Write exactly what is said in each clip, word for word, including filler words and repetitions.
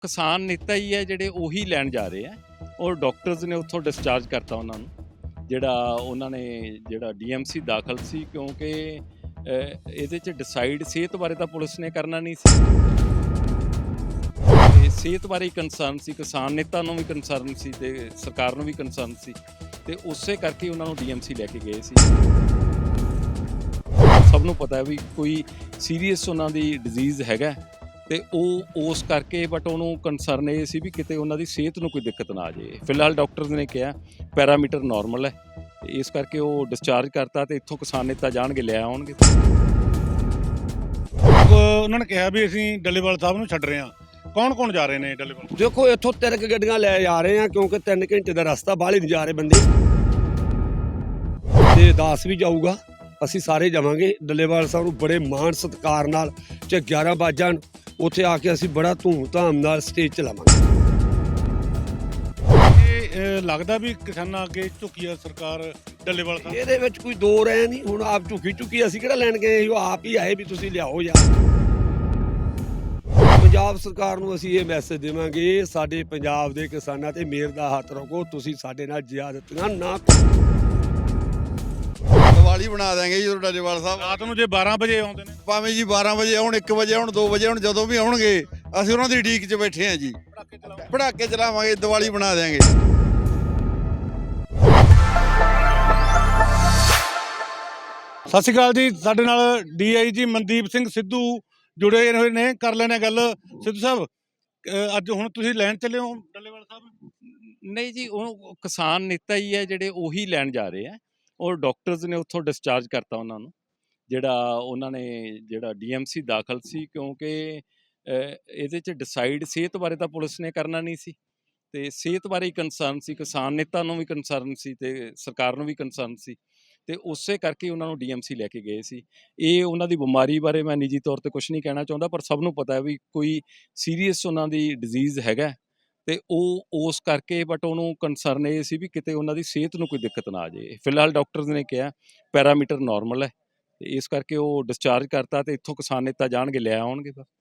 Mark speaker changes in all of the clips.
Speaker 1: ਕਿਸਾਨ ਨੇਤਾ ਹੀ ਹੈ ਜਿਹੜੇ ਉਹੀ ਲੈਣ ਜਾ ਰਹੇ ਆ ਔਰ ਡਾਕਟਰਸ ਨੇ ਉੱਥੋਂ ਡਿਸਚਾਰਜ ਕਰਤਾ ਉਹਨਾਂ ਨੂੰ ਜਿਹੜਾ ਉਹਨਾਂ ਨੇ ਜਿਹੜਾ ਡੀਐਮਸੀ ਦਾਖਲ ਸੀ ਕਿਉਂਕਿ ਅਹ, ਇਹਦੇ 'ਚ ਡਿਸਾਈਡ ਸਿਹਤ ਬਾਰੇ ਤਾਂ ਪੁਲਿਸ ਨੇ ਕਰਨਾ ਨਹੀਂ ਸੀ ਤੇ ਸਿਹਤ ਬਾਰੇ ਕੰਸਰਨ ਸੀ ਕਿਸਾਨ ਨੇਤਾ ਨੂੰ ਵੀ ਕੰਸਰਨ ਸੀ ਤੇ ਸਰਕਾਰ ਨੂੰ ਵੀ ਕੰਸਰਨ ਸੀ ਤੇ ਉਸੇ ਕਰਕੇ ਉਹਨਾਂ ਨੂੰ ਡੀਐਮਸੀ ਲੈ ਕੇ ਗਏ ਸੀ। ਸਭ ਨੂੰ ਪਤਾ ਹੈ ਵੀ ਕੋਈ ਸੀਰੀਅਸ ਉਹਨਾਂ ਦੀ ਡਿਜ਼ੀਜ਼ ਹੈਗਾ ਤੇ ਉਹ ਉਸ ਕਰਕੇ ਬਟ ਉਹਨੂੰ ਕੰਸਰਨ ਇਹ ਸੀ ਵੀ ਕਿਤੇ ਉਹਨਾਂ ਦੀ ਸਿਹਤ ਨੂੰ ਕੋਈ ਦਿੱਕਤ ਨਾ ਆ ਜਾਏ। ਫਿਲਹਾਲ ਡਾਕਟਰਸ ਨੇ ਕਿਹਾ ਪੈਰਾਮੀਟਰ ਨਾਰਮਲ ਹੈ ਤੇ ਇਸ ਕਰਕੇ ਉਹ ਡਿਸਚਾਰਜ ਕਰਤਾ ਤੇ ਇੱਥੋਂ ਕਿਸਾਨ ਨੇਤਾ ਜਾਣਗੇ ਲੈ ਆਉਣਗੇ।
Speaker 2: ਉਹਨਾਂ ਨੇ ਕਿਹਾ ਵੀ ਅਸੀਂ ਡੱਲੇਵਾਲ ਸਾਹਿਬ ਨੂੰ ਛੱਡ ਰਹੇ ਹਾਂ। ਕੌਣ ਕੌਣ ਜਾ ਰਹੇ ਨੇ ਡੱਲੇਵਾਲ?
Speaker 3: ਦੇਖੋ ਇੱਥੋਂ ਤਿੰਨ ਕੁ ਗੱਡੀਆਂ ਲੈ ਜਾ ਰਹੇ ਆ ਕਿਉਂਕਿ ਤਿੰਨ ਘੰਟੇ ਦਾ ਰਸਤਾ ਬਾਹਲੇ ਨਹੀਂ ਜਾ ਰਹੇ ਬੰਦੇ ਤੇ ਦਾਸ ਵੀ ਜਾਊਗਾ। ਅਸੀਂ ਸਾਰੇ ਜਾਵਾਂਗੇ ਡੱਲੇਵਾਲ ਸਾਹਿਬ ਨੂੰ ਬੜੇ ਮਾਣ ਸਤਿਕਾਰ ਨਾਲ ਚਾਹੇ ਗਿਆਰਾਂ ਵਜੇ ਉੱਥੇ ਆ ਕੇ ਅਸੀਂ ਬੜਾ ਧੂਮ ਧਾਮ ਨਾਲ ਸਟੇਜ ਚਲਾਵਾਂਗੇ।
Speaker 2: ਇਹ ਲੱਗਦਾ ਵੀ ਕਿਸਾਨਾਂ ਅੱਗੇ ਝੁਕੀ ਆ ਸਰਕਾਰ ਡੱਲੇਵਾਲ ਸਾਹਿਬ।
Speaker 3: ਇਹਦੇ ਵਿੱਚ ਕੋਈ ਦੋ ਰਹਿ ਨਹੀਂ, ਹੁਣ ਆਪ ਝੁਕੀ ਝੁਕੀ ਅਸੀਂ ਕਿਹੜਾ ਲੈਣ ਗਏ, ਉਹ ਆਪ ਹੀ ਆਏ ਵੀ ਤੁਸੀਂ ਲਿਆਓ ਯਾਰ। ਪੰਜਾਬ ਸਰਕਾਰ ਨੂੰ ਅਸੀਂ ਇਹ ਮੈਸੇਜ ਦੇਵਾਂਗੇ ਸਾਡੇ ਪੰਜਾਬ ਦੇ ਕਿਸਾਨਾਂ ਤੇ ਮਿਹਰ ਦਾ ਹੱਥ ਰੱਖੋ, ਤੁਸੀਂ ਸਾਡੇ ਨਾਲ ਜ਼ਿਆਦਤੀਆਂ ਨਾ ਕਰੋ।
Speaker 4: ਦੀਵਾਲੀ ਬਣਾ ਦਾਂਗੇ ਜੀ ਡੱਲੇਵਾਲ ਸਾਹਿਬ।
Speaker 2: ਰਾਤ ਨੂੰ ਜੇ ਬਾਰਾਂ ਵਜੇ ਆਉਂਦੇ ਨੇ
Speaker 4: ਭਾਵੇਂ ਜੀ ਬਾਰਾਂ ਵਜੇ ਆਉਣ, ਇੱਕ ਵਜੇ ਆਉਣ, ਦੋ ਵਜੇ ਆਉਣ, ਜਦੋਂ ਵੀ ਆਉਣਗੇ ਅਸੀਂ ਉਹਨਾਂ ਦੀ ਉਡੀਕ 'ਚ ਬੈਠੇ ਹਾਂ ਜੀ। ਪੜਾਕੇ ਚਲਾਵਾਂਗੇ, ਦੀਵਾਲੀ ਬਣਾ ਦਿਆਂਗੇ।
Speaker 2: ਸਤਿ ਸ਼੍ਰੀ ਅਕਾਲ ਜੀ। ਸਾਡੇ ਨਾਲ ਡੀਆਈਜੀ ਮਨਦੀਪ ਸਿੰਘ ਸਿੱਧੂ ਜੁੜੇ ਹੋਏ ਨੇ, ਕਰ ਲੈਣੇ ਗੱਲ। ਸਿੱਧੂ ਸਾਹਿਬ ਅਹ ਅੱਜ ਹੁਣ ਤੁਸੀਂ ਲੈਣ ਚੱਲੇ ਹੋ ਡੱਲੇਵਾਲ ਸਾਹਿਬ?
Speaker 1: ਨਹੀਂ ਜੀ, ਉਹ ਕਿਸਾਨ ਨੇਤਾ ਹੀ ਹੈ ਜਿਹੜੇ ਉਹੀ ਲੈਣ ਜਾ ਰਹੇ ਆ ਔਰ ਡਾਕਟਰਸ ਨੇ ਉੱਥੋਂ ਡਿਸਚਾਰਜ ਕਰਤਾ ਉਹਨਾਂ ਨੂੰ ਜਿਹੜਾ ਉਹਨਾਂ ਨੇ ਜਿਹੜਾ ਡੀਐਮਸੀ ਦਾਖਲ ਸੀ ਕਿਉਂਕਿ ਅਹ, ਇਹਦੇ 'ਚ ਡਿਸਾਈਡ ਸਿਹਤ ਬਾਰੇ ਤਾਂ ਪੁਲਿਸ ਨੇ ਕਰਨਾ ਨਹੀਂ ਸੀ ਤੇ ਸਿਹਤ ਬਾਰੇ ਹੀ ਕੰਸਰਨ ਸੀ ਕਿਸਾਨ ਨੇਤਾ ਨੂੰ ਵੀ ਕੰਸਰਨ ਸੀ ਤੇ ਸਰਕਾਰ ਨੂੰ ਵੀ ਕੰਸਰਨ ਸੀ ਤੇ ਉਸੇ ਕਰਕੇ ਉਹਨਾਂ ਨੂੰ ਡੀਐਮਸੀ ਲੈ ਕੇ ਗਏ ਸੀ। ਇਹ ਉਹਨਾਂ ਦੀ ਬਿਮਾਰੀ ਬਾਰੇ ਮੈਂ ਨਿੱਜੀ ਤੌਰ ਤੇ ਕੁਝ ਨਹੀਂ ਕਹਿਣਾ ਚਾਹੁੰਦਾ ਪਰ ਸਭ ਨੂੰ ਪਤਾ ਹੈ ਵੀ ਕੋਈ ਸੀਰੀਅਸ ਉਹਨਾਂ ਦੀ ਡਿਜ਼ੀਜ਼ ਹੈਗਾ ਤੇ ਉਹ ਉਸ ਕਰਕੇ ਬਟ ਉਹਨੂੰ ਕੰਸਰਨ ਇਹ ਸੀ ਵੀ ਕਿਤੇ ਉਹਨਾਂ ਦੀ ਸਿਹਤ ਨੂੰ ਕੋਈ ਦਿੱਕਤ ਨਾ ਆ ਜਾਏ। ਫਿਲਹਾਲ ਡਾਕਟਰਸ ਨੇ ਕਿਹਾ ਪੈਰਾਮੀਟਰ ਨਾਰਮਲ ਹੈ ਤੇ ਇਸ ਕਰਕੇ ਉਹ ਡਿਸਚਾਰਜ ਕਰਤਾ ਤੇ ਇੱਥੋਂ ਕਿਸਾਨ ਨੇਤਾ ਜਾਣਗੇ ਲੈ ਆਉਣਗੇ। ਬਸ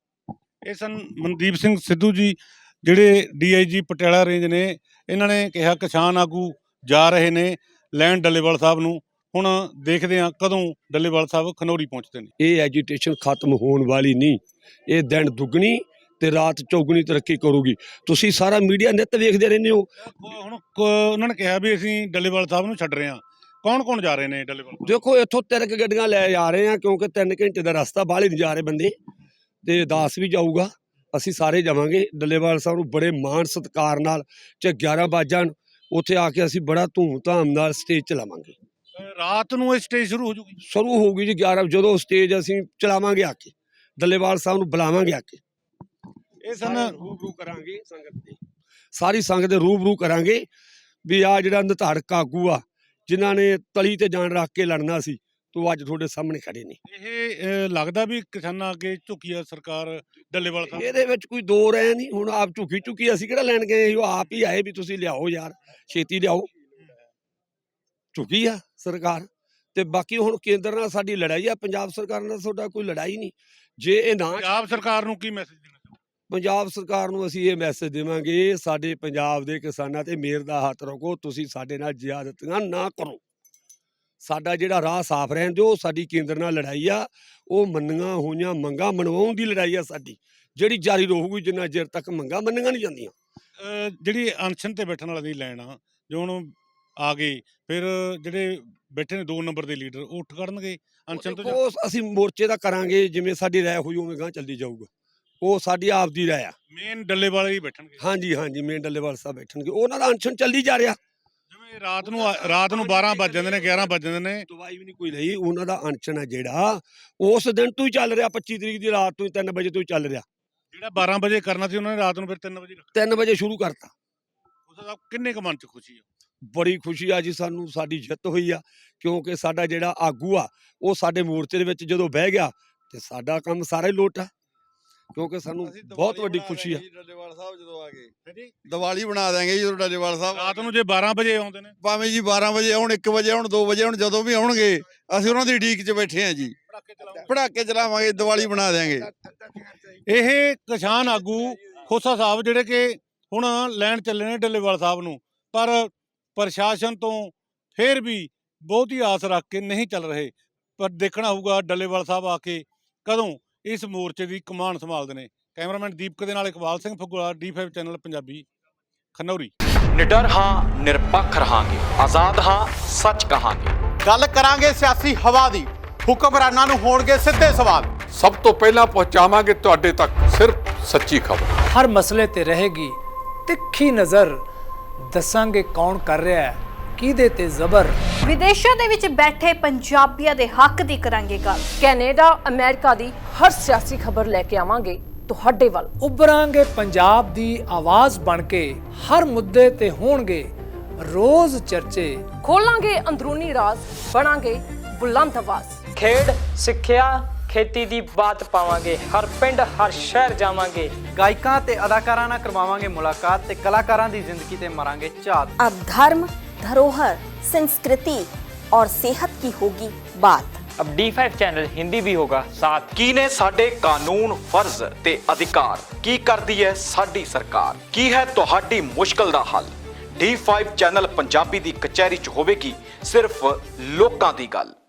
Speaker 2: ਇਹ ਸਨ ਮਨਦੀਪ ਸਿੰਘ ਸਿੱਧੂ ਜੀ ਜਿਹੜੇ ਡੀਆਈਜੀ ਪਟਿਆਲਾ ਰੇਂਜ ਨੇ। ਇਹਨਾਂ ਨੇ ਕਿਹਾ ਕਿਸਾਨ ਆਗੂ ਜਾ ਰਹੇ ਨੇ ਲੈਣ ਡੱਲੇਵਾਲ ਸਾਹਿਬ ਨੂੰ। ਹੁਣ ਦੇਖਦੇ ਹਾਂ ਕਦੋਂ ਡੱਲੇਵਾਲ ਸਾਹਿਬ ਖਨੌਰੀ ਪਹੁੰਚਦੇ ਨੇ।
Speaker 3: ਇਹ ਐਜੀਟੇਸ਼ਨ ਖਤਮ ਹੋਣ ਵਾਲੀ ਨਹੀਂ, ਇਹ ਦਿਨ ਦੁੱਗਣੀ ਤੇ ਰਾਤ ਚੌਗਣੀ ਤਰੱਕੀ ਕਰੂਗੀ। ਤੁਸੀਂ ਸਾਰਾ ਮੀਡੀਆ ਨਿੱਤ ਵੇਖਦੇ ਰਹਿੰਦੇ ਹੋ।
Speaker 2: ਹੁਣ ਕ- ਉਹਨਾਂ ਨੇ ਕਿਹਾ ਵੀ ਅਸੀਂ ਡੱਲੇਵਾਲ ਸਾਹਿਬ ਨੂੰ ਛੱਡ ਰਹੇ ਹਾਂ। ਕੌਣ ਕੌਣ ਜਾ ਰਹੇ ਨੇ ਡੱਲੇਵਾਲ?
Speaker 3: ਦੇਖੋ ਇੱਥੋਂ ਤਿੰਨ ਕੁ ਗੱਡੀਆਂ ਲੈ ਜਾ ਰਹੇ ਆ ਕਿਉਂਕਿ ਤਿੰਨ ਘੰਟੇ ਦਾ ਰਸਤਾ ਬਾਹਲੇ ਨਹੀਂ ਜਾ ਰਹੇ ਬੰਦੇ ਤੇ ਦਾਸ ਵੀ ਜਾਊਗਾ। ਅਸੀਂ ਸਾਰੇ ਜਾਵਾਂਗੇ ਡੱਲੇਵਾਲ ਸਾਹਿਬ ਨੂੰ ਬੜੇ ਮਾਣ ਸਤਿਕਾਰ ਨਾਲ ਚਾਹੇ ਗਿਆਰਾਂ ਵਜੇ ਉੱਥੇ ਆ ਕੇ ਅਸੀਂ ਬੜਾ ਧੂਮ ਧਾਮ ਨਾਲ ਸਟੇਜ ਚਲਾਵਾਂਗੇ।
Speaker 2: ਅਹ ਰਾਤ ਨੂੰ ਇਹ ਸਟੇਜ ਸ਼ੁਰੂ ਹੋ ਜੂਗੀ।
Speaker 3: ਸ਼ੁਰੂ ਹੋਊਗੀ ਜੀ ਗਿਆਰਾਂ ਜਦੋਂ ਸਟੇਜ ਅਸੀਂ ਚਲਾਵਾਂਗੇ ਆ ਕੇ ਡੱਲੇਵਾਲ ਸਾਹਿਬ ਨੂੰ ਬੁਲਾਵਾਂਗੇ ਆ ਕੇ।
Speaker 2: ਇਹ ਸਨ
Speaker 3: ਰੂਬਰੂ ਕਰਾਂਗੇ ਸੰਗਤ ਦੇ, ਸਾਰੀ ਸੰਗਤ ਦੇ ਰੂਬਰੂ ਕਰਾਂਗੇ ਵੀ ਆ ਜਿਹੜਾ ਨਿਧੜਕ ਆਗੂ ਆ ਜਿਨ੍ਹਾਂ ਨੇ ਤਲੀ ਤੇ ਜਾਨ ਰੱਖ ਕੇ ਲੜਨਾ ਸੀ ਤੂੰ ਅੱਜ ਤੁਹਾਡੇ ਸਾਹਮਣੇ ਖੜੇ ਨੇ।
Speaker 2: ਇਹ ਅਹ ਲੱਗਦਾ ਵੀ ਕਿਸਾਨਾਂ ਅੱਗੇ ਝੁਕੀ ਆ ਸਰਕਾਰ ਡੱਲੇਵਾਲ ਸਾਹਿਬ।
Speaker 3: ਇਹਦੇ ਵਿੱਚ ਕੋਈ ਦੋ ਰਹਿ ਨਹੀਂ, ਹੁਣ ਆਪ ਝੁਕੀ ਝੁਕੀ ਅਸੀਂ ਕਿਹੜਾ ਲੈਣ ਗਏ, ਉਹ ਆਪ ਹੀ ਆਏ ਵੀ ਤੁਸੀਂ ਲਿਆਓ ਯਾਰ, ਛੇਤੀ ਲਿਆਓ। ਝੁਕੀ ਆ ਸਰਕਾਰ ਤੇ ਬਾਕੀ ਹੁਣ ਕੇਂਦਰ ਨਾਲ ਸਾਡੀ ਲੜਾਈ ਆ, ਪੰਜਾਬ ਸਰਕਾਰ ਨਾਲ ਤੁਹਾਡਾ ਕੋਈ ਲੜਾਈ ਨਹੀਂ। ਜੇ ਇਹ ਨਾ
Speaker 2: ਪੰਜਾਬ ਸਰਕਾਰ ਨੂੰ ਕੀ ਮੈਸੇਜ ਦੇਣਾ ਚਾਹੁੰਦੇ?
Speaker 3: ਪੰਜਾਬ ਸਰਕਾਰ ਨੂੰ ਅਸੀਂ ਇਹ ਮੈਸੇਜ ਦੇਵਾਂਗੇ ਸਾਡੇ ਪੰਜਾਬ ਦੇ ਕਿਸਾਨਾਂ ਤੇ ਮਿਹਰ ਦਾ ਹੱਥ ਰੱਖੋ, ਤੁਸੀਂ ਸਾਡੇ ਨਾਲ ਜ਼ਿਆਦਤੀਆਂ ਨਾ ਕਰੋ। ਸਾਡਾ ਜਿਹੜਾ ਰਾਹ ਸਾਫ਼ ਰਹਿਣ ਦਿਓ। ਸਾਡੀ ਕੇਂਦਰ ਨਾਲ ਲੜਾਈ ਆ, ਉਹ ਮੰਨੀਆਂ ਹੋਈਆਂ ਮੰਗਾਂ ਮਨਵਾਉਣ ਦੀ ਲੜਾਈ ਆ ਸਾਡੀ, ਜਿਹੜੀ ਜਾਰੀ ਰਹੂਗੀ ਜਿੰਨਾ ਚਿਰ ਤੱਕ ਮੰਗਾਂ ਮੰਨੀਆਂ ਨਹੀਂ ਜਾਂਦੀਆਂ।
Speaker 2: ਅਹ ਜਿਹੜੀ ਅਨਸ਼ਨ ਤੇ ਬੈਠਣ ਵਾਲਾ ਦੀ ਲਾਈਨ ਆ ਜੋ ਹੁਣ ਆ ਗਈ, ਫਿਰ ਜਿਹੜੇ ਬੈਠੇ ਨੇ ਦੋ ਨੰਬਰ ਦੇ ਲੀਡਰ ਉਹ ਉੱਠ ਕਰਨਗੇ ਅਨਸ਼ਨ ਤੋਂ?
Speaker 3: ਉਹ ਅਸੀਂ ਮੋਰਚੇ ਦਾ ਕਰਾਂਗੇ, ਜਿਵੇਂ ਸਾਡੀ ਰਾਇ ਹੋਈ ਉਵੇਂ ਗਾਂ ਚੱਲਦੀ ਜਾਊਗਾ। ਉਹ ਸਾਡੀ ਆਪ ਦੀ ਰਾਇ ਆ।
Speaker 2: ਮੇਨ ਡੱਲੇਵਾਲ ਹੀ ਬੈਠਣਗੇ?
Speaker 3: ਹਾਂਜੀ ਹਾਂਜੀ ਮੇਨ ਡੱਲੇਵਾਲ ਸਾਹਿਬ ਬੈਠਣਗੇ, ਉਹਨਾਂ ਦਾ ਅਨਸ਼ਨ ਚੱਲੀ ਜਾ ਰਿਹਾ।
Speaker 2: ਜਿਵੇਂ ਰਾਤ ਨੂੰ ਆ- ਰਾਤ ਨੂੰ ਬਾਰਾਂ ਵੱਜ ਜਾਂਦੇ ਨੇ, ਗਿਆਰਾਂ ਵੱਜ ਜਾਂਦੇ ਨੇ।
Speaker 3: ਦਵਾਈ ਵੀ ਨਹੀਂ ਕੋਈ ਲਈ, ਉਹਨਾਂ ਦਾ ਅਨਸ਼ਨ ਹੈ ਜਿਹੜਾ ਉਸ ਦਿਨ ਤੋਂ ਹੀ ਚੱਲ ਰਿਹਾ, ਪੱਚੀ ਤਰੀਕ ਦੀ ਰਾਤ ਤੋਂ ਹੀ ਤਿੰਨ ਵਜੇ ਤੋਂ ਹੀ ਚੱਲ ਰਿਹਾ।
Speaker 2: ਜਿਹੜਾ ਬਾਰਾਂ ਵਜੇ ਕਰਨਾ ਸੀ ਉਹਨਾਂ ਨੇ ਰਾਤ ਨੂੰ ਫਿਰ ਤਿੰਨ ਵਜੇ ਰੱਖਿਆ।
Speaker 3: ਤਿੰਨ ਵਜੇ ਸ਼ੁਰੂ ਕਰਤਾ।
Speaker 2: ਉਸ ਦਾ ਕਿੰਨੇ ਕੁ ਮਨ ਚ ਖੁਸ਼ੀ ਆ?
Speaker 3: ਬੜੀ ਖੁਸ਼ੀ ਆ ਜੀ ਸਾਨੂੰ, ਸਾਡੀ ਜਿੱਤ ਹੋਈ ਆ ਕਿਉਂਕਿ ਸਾਡਾ ਜਿਹੜਾ ਆਗੂ ਆ ਉਹ ਸਾਡੇ ਮੋਰਚੇ ਦੇ ਵਿੱਚ ਜਦੋਂ ਬਹਿ ਗਿਆ ਤੇ ਸਾਡਾ ਕੰਮ ਸਾਰਾ ਹੀ ਲੋਟ ਆ, ਕਿਉਂਕਿ ਸਾਨੂੰ
Speaker 4: ਅਸੀਂ ਦੀਵਾਲੀ
Speaker 3: ਬਹੁਤ ਵੱਡੀ
Speaker 4: ਬਣਾ
Speaker 3: ਖੁਸ਼ੀ ਆ।
Speaker 4: ਦਿਆਂਗੇ ਜੀ ਡੱਲੇਵਾਲ ਸਾਹਿਬ ਜਦੋਂ ਆ ਗਏ। ਦੀਵਾਲੀ ਬਣਾ ਦਾਂਗੇ ਜੀ ਡੱਲੇਵਾਲ ਸਾਹਿਬ।
Speaker 2: ਰਾਤ ਨੂੰ ਜੇ ਬਾਰਾਂ ਵਜੇ ਆਉਂਦੇ ਨੇ?
Speaker 4: ਭਾਵੇਂ ਜੀ ਬਾਰਾਂ ਵਜੇ ਆਉਣ, ਇੱਕ ਵਜੇ ਆਉਣ, ਦੋ ਵਜੇ ਆਉਣ, ਜਦੋਂ ਵੀ ਆਉਣਗੇ ਅਸੀਂ ਉਹਨਾਂ ਦੀ ਉਡੀਕ 'ਚ ਬੈਠੇ ਹਾਂ ਜੀ। ਪੜਾਕੇ ਚਲਾਵਾਂਗੇ, ਦੀਵਾਲੀ ਬਣਾ ਦਿਆਂਗੇ।
Speaker 2: ਇਹ ਕਿਸਾਨ ਆਗੂ ਖੋਸਾ ਸਾਹਿਬ ਜਿਹੜੇ ਕਿ ਹੁਣ ਲੈਣ ਚੱਲੇ ਨੇ ਡੱਲੇਵਾਲ ਸਾਹਿਬ ਨੂੰ, ਪਰ ਪ੍ਰਸ਼ਾਸਨ ਤੋਂ ਫੇਰ ਵੀ ਬਹੁਤੀ ਆਸ ਰੱਖ ਕੇ ਨਹੀਂ ਚੱਲ ਰਹੇ। ਪਰ ਦੇਖਣਾ ਹੋਊਗਾ ਡੱਲੇਵਾਲ ਸਾਹਿਬ ਆ ਕੇ ਕਦੋਂ ਇਸ ਮੋਰਚੇ ਦੀ ਕਮਾਨ ਸੰਭਾਲਦੇ ਨੇ। ਕੈਮਰਾਮੈਨ ਦੀਪਕ ਦੇ ਨਾਲ Iqbal Singh Phagura, D five channel Punjabi, Khanauri.
Speaker 5: ਨਿਡਰ ਹਾਂ, ਨਿਰਪੱਖ ਰਹਾਂਗੇ, ਆਜ਼ਾਦ ਹਾਂ, ਸੱਚ ਕਹਾਂਗੇ।
Speaker 6: ਗੱਲ ਕਰਾਂਗੇ ਸਿਆਸੀ ਹਵਾ ਦੀ, ਹੁਕਮਰਾਨਾਂ ਨੂੰ ਹੋਣਗੇ ਸਿੱਧੇ ਸਵਾਲ।
Speaker 7: ਸਭ ਤੋਂ ਪਹਿਲਾਂ ਪਹੁੰਚਾਵਾਂਗੇ ਤੁਹਾਡੇ ਤੱਕ ਸਿਰਫ ਸੱਚੀ ਖਬਰ।
Speaker 8: ਹਰ ਮਸਲੇ ਤੇ ਰਹੇਗੀ ਤਿੱਖੀ ਨਜ਼ਰ, ਦੱਸਾਂਗੇ ਕੌਣ ਕਰ ਰਿਹਾ ਹੈ ਕਿਹਦੇ ਤੇ ਜ਼ਬਰ।
Speaker 9: ਵਿਦੇਸ਼ਾਂ ਦੇ ਵਿੱਚ ਬੈਠੇ ਪੰਜਾਬੀਆਂ ਦੇ ਹੱਕ ਦੀ ਕਰਾਂਗੇ ਗੱਲ।
Speaker 10: ਕੈਨੇਡਾ, ਅਮਰੀਕਾ ਦੀ ਹਰ ਸਿਆਸੀ ਖਬਰ ਲੈ ਕੇ ਆਵਾਂਗੇ ਤੁਹਾਡੇ ਵੱਲ।
Speaker 8: ਉਭਰਾਂਗੇ ਪੰਜਾਬ ਦੀ ਆਵਾਜ਼ ਬਣ ਕੇ, ਹਰ ਮੁੱਦੇ ਤੇ ਹੋਣਗੇ ਰੋਜ਼ ਚਰਚੇ।
Speaker 10: ਖੋਲਾਂਗੇ ਅੰਦਰੂਨੀ ਰਾਜ਼, ਬਣਾਂਗੇ ਬੁਲੰਦ ਆਵਾਜ਼।
Speaker 11: ਖੇਡ, ਸਿੱਖਿਆ, ਖੇਤੀ ਦੀ ਬਾਤ ਪਾਵਾਂਗੇ, ਹਰ ਪਿੰਡ ਹਰ ਸ਼ਹਿਰ ਜਾਵਾਂਗੇ।
Speaker 12: ਗਾਇਕਾਂ ਤੇ ਅਦਾਕਾਰਾਂ ਨਾਲ ਕਰਵਾਵਾਂਗੇ ਮੁਲਾਕਾਤ ਤੇ ਕਲਾਕਾਰਾਂ ਦੀ ਜ਼ਿੰਦਗੀ ਤੇ ਮਾਰਾਂਗੇ ਝਾਤ।
Speaker 13: अब धर्म, धरोहर, संस्कृति और सेहत की होगी बात।
Speaker 11: अब डी फाइव चैनल हिंदी भी होगा साथ।
Speaker 5: ਕੀ ਨੇ ਸਾਡੇ ਕਾਨੂੰਨ, ਫਰਜ਼ ਤੇ ਅਧਿਕਾਰ? ਕੀ ਕਰਦੀ ਹੈ ਸਾਡੀ ਸਰਕਾਰ? ਕੀ ਹੈ ਤੁਹਾਡੀ ਮੁਸ਼ਕਲ ਦਾ ਹੱਲ? ਡੀ ਫਾਈਵ ਚੈਨਲ ਪੰਜਾਬੀ ਦੀ ਕਚਹਿਰੀ 'ਚ ਹੋਵੇਗੀ ਸਿਰਫ ਲੋਕਾਂ ਦੀ ਗੱਲ।